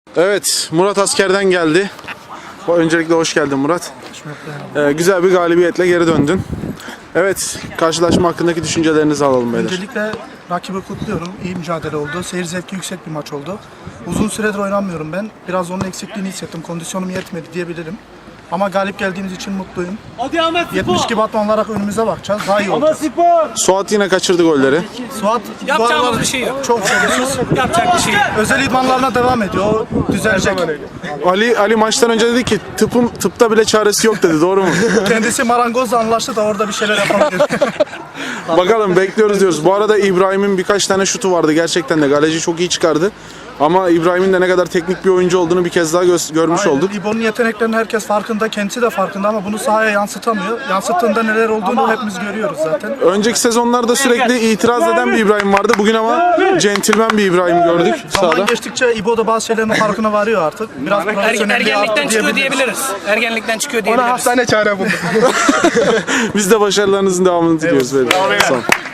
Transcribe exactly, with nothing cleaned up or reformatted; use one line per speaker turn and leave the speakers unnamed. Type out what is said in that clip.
Evet, Murat askerden geldi. Öncelikle hoş geldin Murat. Ee, güzel bir galibiyetle geri döndün. Evet, karşılaşma hakkındaki düşüncelerinizi alalım beyler.
Öncelikle rakibi kutluyorum. İyi mücadele oldu. Seyir zevki yüksek bir maç oldu. Uzun süredir oynamıyorum ben. Biraz onun eksikliğini hissettim. Kondisyonum yetmedi diyebilirim. Ama galip geldiğimiz için mutluyum. yetmiş gibi atma olarak önümüze bakacağız. Daha iyi olacağız.
Suat yine kaçırdı golleri.
Suat
Yapacağımız bir şey yok.
Çok çalışıyoruz.
Yapacak bir şey yok.
Özel idmanlarına devam ediyor. O düzelecek.
Ali Ali maçtan önce dedi ki tıpım tıpta bile çaresi yok dedi. Doğru mu?
Kendisi marangozla anlaştı da orada bir şeyler yapabilir.
Bakalım, bekliyoruz diyoruz. Bu arada İbrahim'in birkaç tane şutu vardı. Gerçekten de galeci çok iyi çıkardı. Ama İbrahim'in de ne kadar teknik bir oyuncu olduğunu bir kez daha gö- görmüş
Aynen.
olduk.
İbo'nun yeteneklerinin herkes farkında, kendisi de farkında ama bunu sahaya yansıtamıyor. Yansıttığında neler olduğunu hepimiz görüyoruz zaten.
Önceki sezonlarda sürekli itiraz eden bir İbrahim vardı. Bugün ama centilmen bir İbrahim gördük
Zaman
sahada.
geçtikçe İbo da bazı şeylerin farkına varıyor artık. Biraz
Er,
profesyonelliği arttı
ergenlikten çıkıyor
diyebiliriz.
diyebiliriz. Ergenlikten çıkıyor diyebiliriz.
Hastane çare bulduk.
Biz de başarılarınızın devamını diliyoruz. Sağ olun.